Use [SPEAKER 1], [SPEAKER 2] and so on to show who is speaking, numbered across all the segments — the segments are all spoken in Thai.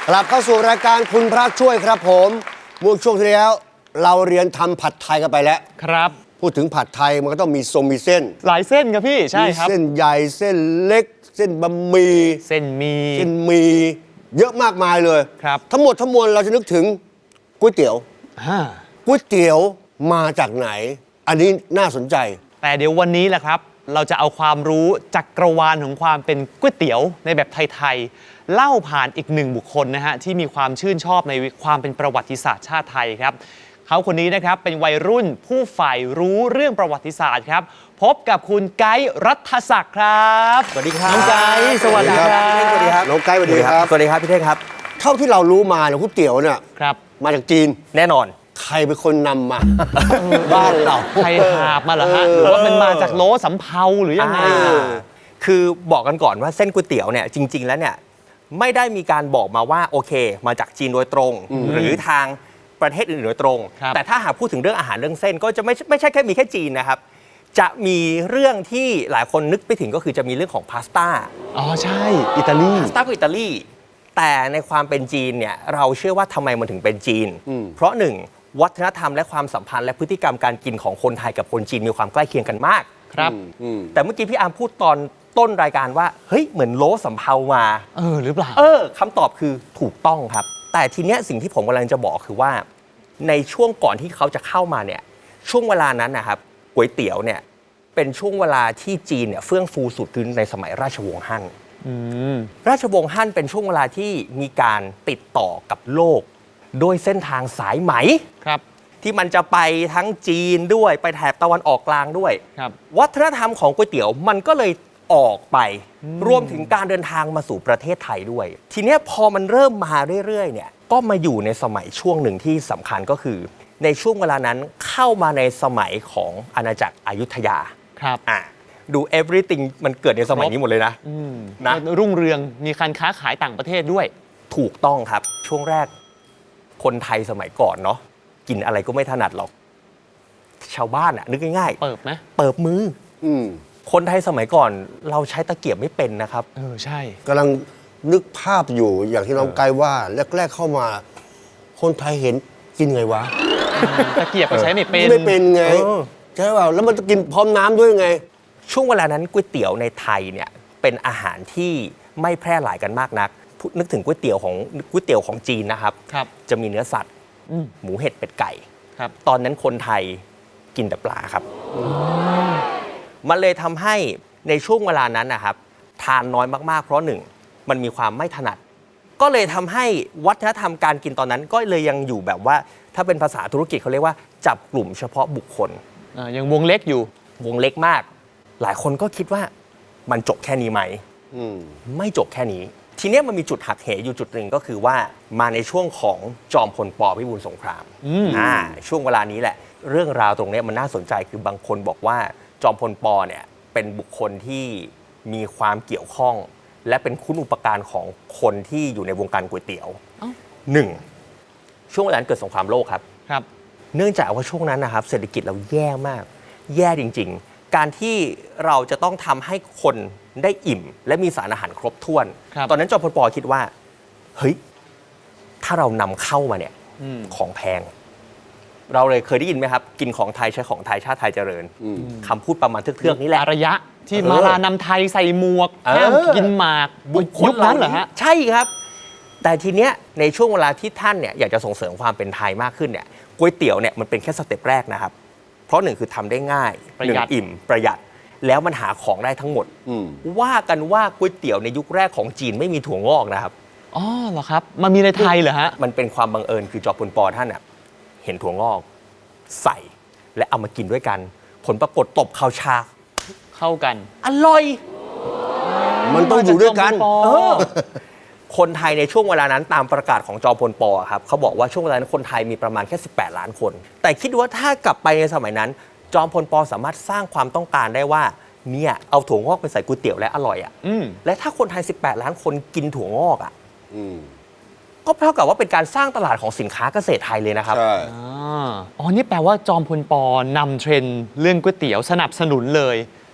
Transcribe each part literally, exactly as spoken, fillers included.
[SPEAKER 1] กลับเข้าสู่รายการคุณพระช่วยครับผมเมื่อช่วงที่แล้วเราเรียนทำผัดไทยกันไปแล้ว
[SPEAKER 2] ครับ
[SPEAKER 1] พูดถึงผัดไทยมันก็ต้องมีทรงมีเส้น
[SPEAKER 2] หลายเส้นครับพี่ใช่ครับ
[SPEAKER 1] มีเส้นใหญ่เส้นเล็กเส้นบะหมี่
[SPEAKER 2] เส้นมี
[SPEAKER 1] เส้นหมี่เยอะมากมายเลย
[SPEAKER 2] ครับ
[SPEAKER 1] ทั้งหมดทั้งมวลเราจะนึกถึงก๋วยเตี๋ยวก๋วยเตี๋ยวมาจากไหนอันนี้น่าสนใจ
[SPEAKER 2] แต่เดี๋ยววันนี้แหละครับเราจะเอาความรู้จักรวาลของความเป็นก๋วยเตี๋ยวในแบบไทยๆเล่าผ่านอีกหนึ่งบุคคลนะฮะที่มีความชื่นชอบในความเป็นประวัติศาสตร์ชาติไทยครับเขาคนนี้นะครับเป็นวัยรุ่นผู้ใฝ่รู้เรื่องประวัติศาสตร์ครับพบกับคุณไกด์รัฐศักดิ์ครับ
[SPEAKER 3] สวัสดีครับ
[SPEAKER 2] น้องไกด์สวัสดีครับ
[SPEAKER 3] สวัสดีครับ
[SPEAKER 1] น้องไกด์สวัสดีครับ
[SPEAKER 3] สวัสดีครับพี่เท่งครับ
[SPEAKER 1] เท่าที่เรารู้มาเนี่ยก๋วยเตี๋ยวเนี่ย
[SPEAKER 2] ครับ
[SPEAKER 1] มาจากจีน
[SPEAKER 3] แน่นอน
[SPEAKER 1] ใครเป็นคนนำมาบ้านเรา
[SPEAKER 2] ใครหาบมาเหรอฮะหรือว่ามันมาจากโลสำเภาหรือยังไง
[SPEAKER 3] คือบอกกันก่อนว่าเส้นก๋วยเตี๋ยวเนี่ยจริงๆแล้วเนี่ยไม่ได้มีการบอกมาว่าโอเคมาจากจีนโดยตรงหรือทางประเทศอื่นโดยตรงแต่ถ้าหากพูดถึงเรื่องอาหารเรื่องเส้นก็จะไม่ไม่ใช่แค่มีแค่จีนนะครับจะมีเรื่องที่หลายคนนึกไปถึงก็คือจะมีเรื่องของพาสต้า
[SPEAKER 2] อ๋อใช่อิตาลี
[SPEAKER 3] พาสต้าก็อิตาลีแต่ในความเป็นจีนเนี่ยเราเชื่อว่าทำไมมันถึงเป็นจีนเพราะหนึ่งวัฒนธรรมและความสัมพันธ์และพฤติกรรมการกินของคนไทยกับคนจีนมีความใกล้เคียงกันมาก
[SPEAKER 2] ครับ
[SPEAKER 3] แต่เมื่อกี้พี่อาร์มพูดตอนต้นรายการว่าเฮ้ยเหมือนโลสำเภามา
[SPEAKER 2] เออหรือเปล่า
[SPEAKER 3] เออคำตอบคือถูกต้องครับแต่ทีเนี้ยสิ่งที่ผมกำลังจะบอกคือว่าในช่วงก่อนที่เขาจะเข้ามาเนี่ยช่วงเวลานั้นนะครับก๋วยเตี๋ยวเนี่ยเป็นช่วงเวลาที่จีนเนี่ยเฟื่องฟูสุดคือในสมัยราชวงศ์ฮั่นราชวงศ์ฮั่นเป็นช่วงเวลาที่มีการติดต่อกับโลกโดยเส้นทางสายไหม
[SPEAKER 2] ครับ
[SPEAKER 3] ที่มันจะไปทั้งจีนด้วยไปแถบตะวันออกกลางด้วย
[SPEAKER 2] ครับ
[SPEAKER 3] วัฒนธรรมของก๋วยเตี๋ยวมันก็เลยออกไปรวมถึงการเดินทางมาสู่ประเทศไทยด้วยทีนี้พอมันเริ่มมาเรื่อยๆเนี่ยก็มาอยู่ในสมัยช่วงหนึ่งที่สำคัญก็คือในช่วงเวลานั้นเข้ามาในสมัยของอาณาจักรอยุธยา
[SPEAKER 2] ครับ
[SPEAKER 3] อ่ะดู everything มันเกิดในสมัยนี้หมดเลยนะ
[SPEAKER 2] นะรุ่งเรืองมีการค้าขายต่างประเทศด้วย
[SPEAKER 3] ถูกต้องครับช่วงแรกคนไทยสมัยก่อนเนาะกินอะไรก็ไม่ถนัดหรอกชาวบ้านอะนึกง่าย
[SPEAKER 2] ๆเปิบไหม
[SPEAKER 3] เปิบมืออืคนไทยสมัยก่อนเราใช้ตะเกียบไม่เป็นนะครับ
[SPEAKER 2] เออใช่
[SPEAKER 1] กำลังนึกภาพอยู่อย่างที่น้องไกด์ว่าแรกๆเข้ามาคนไทยเห็นกินไงวะ
[SPEAKER 2] ตะเกียบก็ใช้ไม่เป็น
[SPEAKER 1] ไม่เป็นไงใช่เปล่าแล้วมันจะกินพร้อมน้ำด้วยไง
[SPEAKER 3] ช่วงเวลานั้นก๋วยเตี๋ยวในไทยเนี่ยเป็นอาหารที่ไม่แพร่หลายกันมากนักนึกถึงก๋วยเตี๋ยวของก๋วยเตี๋ยวของจีนนะครับจะมีเนื้อสัตว์หมูเห็ดเป็ดไก่ตอนนั้นคนไทยกินแต่ปลาครับมันเลยทำให้ในช่วงเวลานั้นนะครับทานน้อยมากๆเพราะหนึ่งมันมีความไม่ถนัดก็เลยทำให้วัฒนธรรมการกินตอนนั้นก็เลยยังอยู่แบบว่าถ้าเป็นภาษาธุรกิจเขาเรียกว่าจับกลุ่มเฉพาะบุคคล
[SPEAKER 2] ยังวงเล็กอยู่
[SPEAKER 3] วงเล็กมากหลายคนก็คิดว่ามันจบแค่นี้ไหมไม่จบแค่นี้ทีนี้มันมีจุดหักเหอยู่จุดหนึ่งก็คือว่ามาในช่วงของจอมพลป.พิบูลสงครามอ่าช่วงเวลานี้แหละเรื่องราวตรงนี้มันน่าสนใจคือบางคนบอกว่าจอมพลป.เนี่ยเป็นบุคคลที่มีความเกี่ยวข้องและเป็นคุณอุปการของคนที่อยู่ในวงการก๋วยเตี๋ยวหนึ่งช่วงเวลานั้นเกิดสงครามโลกครับ
[SPEAKER 2] ครับ
[SPEAKER 3] เนื่องจากว่าช่วงนั้นนะครับเศรษฐกิจเราแย่มากแย่จริงๆการที่เราจะต้องทำให้คนได้อิ่มและมีสารอาหารครบถ้วนตอนนั้นจอมพลป.คิดว่าเฮ้ยถ้าเรานำเข้ามาเนี่ยของแพงเราเลยเคยได้ยินไหมครับกินของไทยใช้ของไทยชาติไทยเจริญคำพูดประมาณเทือกๆนี้แหละ
[SPEAKER 2] ระยะที่มาลานำไทยใส่หมวกห้ามกินหมากยุคนั้นเหรอฮะ
[SPEAKER 3] ใช่ครับแต่ทีเนี้ยในช่วงเวลาที่ท่านเนี่ยอยากจะส่งเสริมความเป็นไทยมากขึ้นเนี่ยก๋วยเตี๋ยวเนี่ยมันเป็นแค่สเต็ปแรกนะครับเพราะหนึ่งคือทำได้ง่ายหนึ่งอิ่มประหยัดแล้วมันหาของได้ทั้งหมดว่ากันว่าก๋วยเตี๋ยวในยุคแรกของจีนไม่มีถั่วงอกนะครับ
[SPEAKER 2] อ๋อเหรอครับมันมีในไทยเหรอฮะ
[SPEAKER 3] มันเป็นความบังเอิญคือจอมพลป.ท่านเนี่ยเห็นถั่วงอกใส่และเอามากินด้วยกันผลปรากฏตบข่าวชา
[SPEAKER 2] เข้ากัน
[SPEAKER 3] อร่อย
[SPEAKER 1] มันต้องอยู่ด้วยกัน
[SPEAKER 3] คนไทยในช่วงเวลานั้นตามประกาศของจอมพลป.ครับเขาบอกว่าช่วงเวลานั้นคนไทยมีประมาณแค่สิบแปดล้านคนแต่คิดว่าถ้ากลับไปในสมัยนั้นจอมพลป.สามารถสร้างความต้องการได้ว่าเนี่ยเอาถั่วงอกไปใส่ก๋วยเตี๋ยวและอร่อยอ่ะและถ้าคนไทยสิบแปดล้านคนกินถั่วงอกอ่ะก็เท่ากับว่าเป็นการสร้างตลาดของสินค้าเกษตรไทยเลยนะครับ
[SPEAKER 1] ใช่
[SPEAKER 2] อ๋อนี่แปลว่าจอมพลป.นำเทรนด์เรื่องก๋วยเตี๋ยวสนับสนุนเลย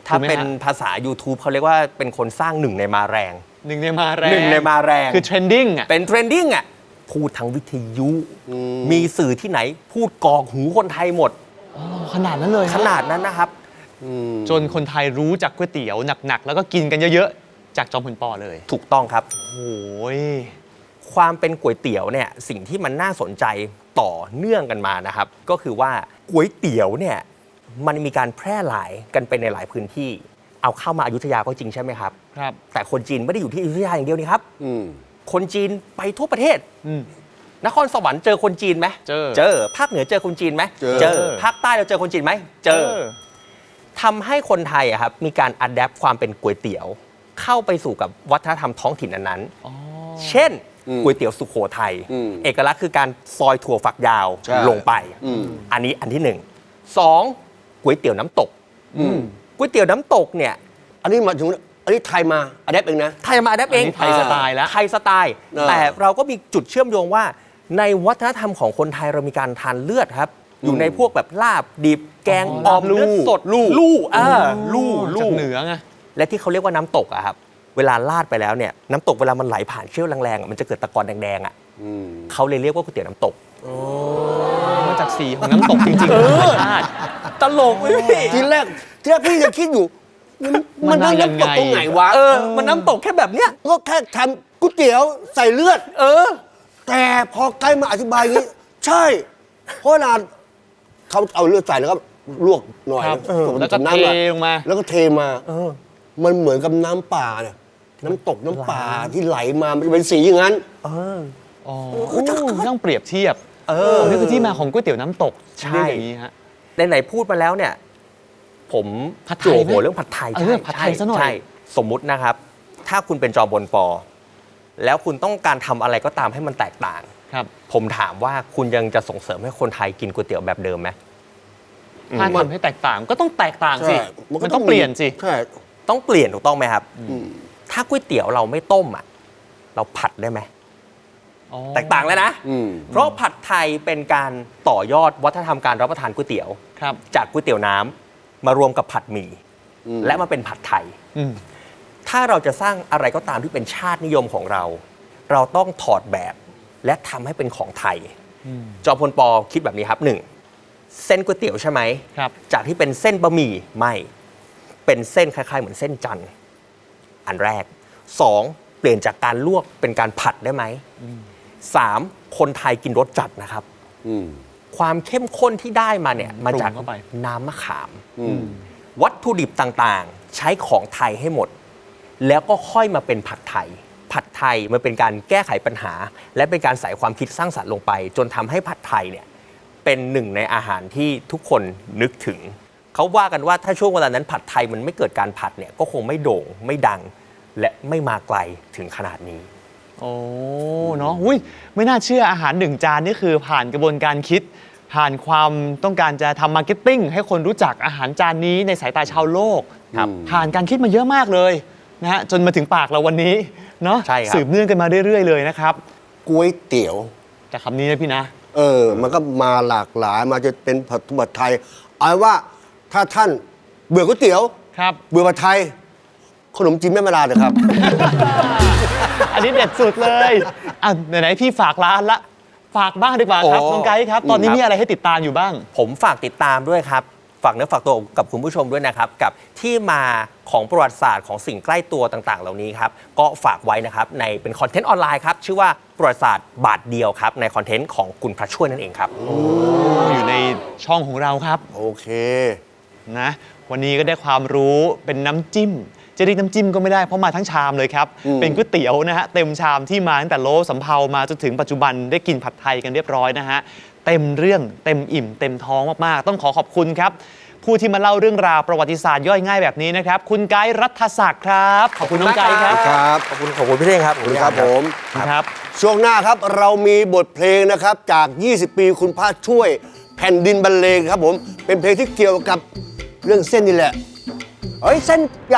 [SPEAKER 3] ถ้า
[SPEAKER 2] ถูกไหมฮะ
[SPEAKER 3] เป็นภาษา YouTube เขาเรียกว่าเป็นคนสร้างหนึ่งในมาแรง
[SPEAKER 2] หนึ่งในมาแรง
[SPEAKER 3] หนึ่งในมาแรง
[SPEAKER 2] คือเทรนดิ้งอ่ะ
[SPEAKER 3] เป็นเทรนดิ้งอ่ะพูดทางวิทยุ มีสื่อที่ไหนพูดกรอกหูคนไทยหมด
[SPEAKER 2] ขนาดนั้นเลยฮะ
[SPEAKER 3] ขนาดนั้นนะครับ
[SPEAKER 2] จนคนไทยรู้จักก๋วยเตี๋ยวหนักๆ แล้วก็กินกันเยอะๆ จากจอมพลปอเลย
[SPEAKER 3] ถูกต้องครับ
[SPEAKER 2] โอ้ย
[SPEAKER 3] ความเป็นก๋วยเตี๋ยวเนี่ยสิ่งที่มันน่าสนใจต่อเนื่องกันมานะครับ ก็คือว่าก๋วยเตี๋ยวเนี่ยมันมีการแพร่หลายกันไปในหลายพื้นที่ เอาเข้ามาอยุธยาก็จริงใช่ไหมครับ
[SPEAKER 2] ครับ
[SPEAKER 3] แต่คนจีนไม่ได้อยู่ที่อยุธยาอย่างเดียวนี่ครับ
[SPEAKER 1] อืม
[SPEAKER 3] คนจีนไปทั่วประเทศ
[SPEAKER 2] อืม
[SPEAKER 3] นครสวรรค์เจอคนจีนไหม
[SPEAKER 2] เจอ
[SPEAKER 3] เจอภาคเหนือเจอคนจีนไหม
[SPEAKER 1] เจอ
[SPEAKER 3] ภาคใต้เราเจอคนจีนไหมเจอทำให้คนไทยอะครับมีการอัดแอปความเป็นก๋วยเตี๋ยว เข้าไปสู่กับวัฒนธรรมท้องถิ่นนั้นๆ
[SPEAKER 2] อ๋อ
[SPEAKER 3] เช่น
[SPEAKER 1] อืม
[SPEAKER 3] ก๋วยเตี๋ยวสุโขทัย
[SPEAKER 1] อืม
[SPEAKER 3] เอกลักษณ์คือการซอยถั่วฝักยาว
[SPEAKER 1] ใช่
[SPEAKER 3] ลงไป
[SPEAKER 1] อืม
[SPEAKER 3] อันนี้อันที่หนึ่งสองก๋วยเตี๋ยวน้ำตก
[SPEAKER 1] อืม
[SPEAKER 3] ก๋วยเตี๋ยวน้ำตกเนี่ย
[SPEAKER 1] อันนี้มาถึงอันนี้ไทยมาอันนี้เองนะ
[SPEAKER 3] ไทยมาอัดแอปเอง
[SPEAKER 2] อันนี้ไทยสไตล์แล้ว
[SPEAKER 3] ไทยสไตล์
[SPEAKER 1] เออ
[SPEAKER 3] แต่เราก็มีจุดเชื่อมโยงว่า ในวัฒนธรรมของคนไทยเรามีการทานเลือดครับ อยู่ในพวกแบบลาบดิบแกง
[SPEAKER 2] อ๋อ
[SPEAKER 3] อ่อม
[SPEAKER 2] ลาบลู่
[SPEAKER 3] เลือดสดลู่ลู่อ่าลู่
[SPEAKER 2] จา
[SPEAKER 3] ลู่
[SPEAKER 2] กเหนือไง
[SPEAKER 3] และที่เขาเรียกว่าน้ำตกอะครับเวลาลาดไปแล้วเนี่ยน้ำตกเวลามันไหลผ่านเชี่ยวแรงๆอะมันจะเกิดตะกอนแดงๆอ่ะ
[SPEAKER 1] อืม
[SPEAKER 3] เขาเลยเรียกว่าก๋วยเตี๋ยวน้ำตก
[SPEAKER 2] มาจากสีของน้ำตกจริงๆธรรมชาติ
[SPEAKER 3] ตลกเลยพี่
[SPEAKER 1] ทีแรกทีแรกพี่จะคิดอยู่ มัน
[SPEAKER 2] มั
[SPEAKER 1] มัน
[SPEAKER 2] นมา
[SPEAKER 1] น้ำตก
[SPEAKER 2] ยังไง
[SPEAKER 1] ตรงไหนวะ
[SPEAKER 3] เออ มันน้ำตกแค่แบบเนี้ย
[SPEAKER 1] ก็แค่ทำก๋วยเตี๋ยวใส่เลือด
[SPEAKER 3] เออ
[SPEAKER 1] แต่พอใกล้มาอธิบายอย่างนี้ ใช่ เพราะนานเขาเอาเลือดใส่แล้วก็ลวกหน่อย
[SPEAKER 2] ครับ
[SPEAKER 1] ส่น
[SPEAKER 2] แล้วก็
[SPEAKER 1] น้ำ
[SPEAKER 2] เท
[SPEAKER 1] อะ
[SPEAKER 2] ลงมา
[SPEAKER 1] แล้วก็เทมา
[SPEAKER 3] เออ
[SPEAKER 1] มันเหมือนกับน้ำป่าเนี่ยน้ำตกน้ำป่าที่ไหลมามันจะเป็นสีอย่างนั้น
[SPEAKER 3] เออ
[SPEAKER 2] อ๋อต้องเปรียบเทียบ
[SPEAKER 3] เออ
[SPEAKER 2] นี่คือที่มาของก๋วยเตี๋ยวน้ำตก
[SPEAKER 3] ใช่
[SPEAKER 2] เรียกอย่างนี้ฮะ
[SPEAKER 3] ไหนๆพูดมาแล้วเนี่ย ผม
[SPEAKER 2] ผัดไทย
[SPEAKER 3] จั่ว
[SPEAKER 2] ไหม
[SPEAKER 3] หัวเรื่องผัดไทย
[SPEAKER 2] เออผัดไทยซะหน่อย
[SPEAKER 3] ใช่สมมุตินะครับ ถ้าคุณเป็นจอมพลปอ แล้วคุณต้องการทำอะไรก็ตามให้มันแตกต่าง
[SPEAKER 2] ครับ
[SPEAKER 3] ผมถามว่าคุณยังจะส่งเสริมให้คนไทยกินก๋วยเตี๋ยวแบบเดิมไหม
[SPEAKER 2] ถ้าทำให้แตกต่างก็ต้องแตกต่างสิ
[SPEAKER 1] ใช่มันก็
[SPEAKER 2] มัน
[SPEAKER 1] ต้
[SPEAKER 2] ต้
[SPEAKER 1] อ
[SPEAKER 2] อง งเปลี่ยนสิ
[SPEAKER 1] ใช่
[SPEAKER 3] ต้องเปลี่ยนถูกต้องไหมครับ ถ้าก๋วยเตี๋ยวเราไม่ต้มอ่ะ เราผัดได้ไหม
[SPEAKER 2] อ๋อ
[SPEAKER 3] แตกต่างเลยนะ
[SPEAKER 1] อืม
[SPEAKER 3] เพราะผัดไทยเป็นการต่อยอดวัฒนธรรมการรับประทานก๋วยเตี๋ยว
[SPEAKER 2] ครับ
[SPEAKER 3] จากก๋วยเตี๋ยวน้ำมารวมกับผัดหมี่
[SPEAKER 1] อืม
[SPEAKER 3] และมาเป็นผัดไทย
[SPEAKER 2] อืม
[SPEAKER 3] ถ้าเราจะสร้างอะไรก็ตามที่เป็นชาตินิยมของเรา เราต้องถอดแบบและทำให้เป็นของไทย จอมพลปอคิดแบบนี้ครับหนึ่งเส้นก๋วยเตี๋ยวใช่ไหม
[SPEAKER 2] ครับ
[SPEAKER 3] จากที่เป็นเส้นบะหมี่ไม่เป็นเส้นคล้ายๆ เหมือนเส้นจันทร์อันแรกสองเปลี่ยนจากการลวกเป็นการผัดได้ไหมสามคนไทยกินรสจัดนะครับ
[SPEAKER 1] อืม
[SPEAKER 3] ความเข้มข้นที่ได้มาเนี่ยมาจาก
[SPEAKER 2] ปรุงเข้าไป
[SPEAKER 3] น้ำมะขาม
[SPEAKER 1] อืม
[SPEAKER 3] วัตถุดิบต่างๆ ใช้ของไทยให้หมด แล้วก็ค่อยมาเป็นผัดไทย ผัดไทยมันเป็นการแก้ไขปัญหา และเป็นการใส่ความคิดสร้างสรรค์ลงไป จนทำให้ผัดไทยเนี่ยเป็นหนึ่งในอาหารที่ทุกคนนึกถึง เขาว่ากันว่าถ้าช่วงเวลานั้นผัดไทยมันไม่เกิดการผัดเนี่ยก็คงไม่โด่งไม่ดัง และไม่มาไกลถึงขนาดนี้
[SPEAKER 2] โอ้เนาะอุ้ยไม่น่าเชื่ออาหารหนึ่งจานนี่คือผ่านกระบวนการคิด ผ่านความต้องการจะทำมาร์เก็ตติ้งให้คนรู้จักอาหารจานนี้ในสายตาชาวโลก
[SPEAKER 3] ครับ
[SPEAKER 2] ผ่านการคิดมาเยอะมากเลยนะฮะจนมาถึงปากเราวันนี้เนาะ
[SPEAKER 3] ใช่ครับ
[SPEAKER 2] สืบเนื่องกันมาเรื่อยๆเลยนะครับ
[SPEAKER 1] ก๋วยเตี๋ยว
[SPEAKER 2] จากคำนี้นะพี่นะ
[SPEAKER 1] เออ มันก็มาหลากหลาย มาจะเป็นผัดผัดไทย เอาเป็นว่าถ้าท่านเบื่อก๋วยเตี๋ยว
[SPEAKER 2] ครับ
[SPEAKER 1] เบื่อผัดไทย ขนมจีนแม่มาลาเถอะครับ
[SPEAKER 2] อันนี้เด็ดสุดเลยอ่ะไหนๆพี่ฝากร้านละฝากบ้างดีกว่าครับ
[SPEAKER 3] โอ้
[SPEAKER 2] น้องไกด์ครับ ตอนนี้
[SPEAKER 3] ครับ
[SPEAKER 2] มีอะไรให้ติดตามอยู่บ้าง
[SPEAKER 3] ผมฝากติดตามด้วยครับ ฝากเนื้อฝากตัวกับคุณผู้ชมด้วยนะครับ กับที่มาของประวัติศาสตร์ของสิ่งใกล้ตัวต่างๆ เหล่านี้ครับ ก็ฝากไว้นะครับ ในเป็นคอนเทนต์ออนไลน์ครับ ชื่อว่าประวัติศาสตร์บาทเดียวครับ ในคอนเทนต์ของคุณพระช่วยนั่นเองครับ
[SPEAKER 2] อยู่ในช่องของเราครับ
[SPEAKER 1] โอเค
[SPEAKER 2] นะวันนี้ก็ได้ความรู้เป็นน้ำจิ้ม จะเรียกน้ำจิ้มก็ไม่ได้เพราะมาทั้งชามเลยครับ
[SPEAKER 1] อืม
[SPEAKER 2] เป็นก๋วยเตี๋ยวนะฮะเต็มชามที่มาตั้งแต่โลสำเภามาจนถึงปัจจุบันได้กินผัดไทยกันเรียบร้อยนะฮะเต็มเรื่องเต็มอิ่ม เต็มท้องมากๆ ต้องขอขอบคุณครับ ผู้ที่มาเล่าเรื่องราวประวัติศาสตร์ย่อยง่ายแบบนี้นะครับ คุณไกด์รัฐศักดิ์ครับ ขอบคุณน้องไกด์ครับ
[SPEAKER 1] ครับ
[SPEAKER 3] ขอบคุณขอบคุณพี่เท่งครับ
[SPEAKER 1] ขอบคุณครับผม
[SPEAKER 2] ครับ
[SPEAKER 1] ช่วงหน้าครับเรามีบทเพลงนะครับจาก ยี่สิบ ปีคุณพระช่วยแผ่นดินบรรเลงครับผม เป็นเพลงที่เกี่ยวกับเรื่องเส้นนี่แหละ เฮ้ย เส้นใหญ่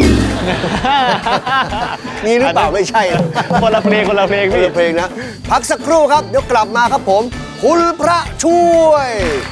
[SPEAKER 1] มีหรือเปล่าไม่ใช่นะ
[SPEAKER 2] คนละเพลงคนละเพลง
[SPEAKER 1] คน
[SPEAKER 2] พี่
[SPEAKER 1] ละเพลงนะ พักสักครู่ครับ เดี๋ยวกลับมาครับผม คุณพระช่วย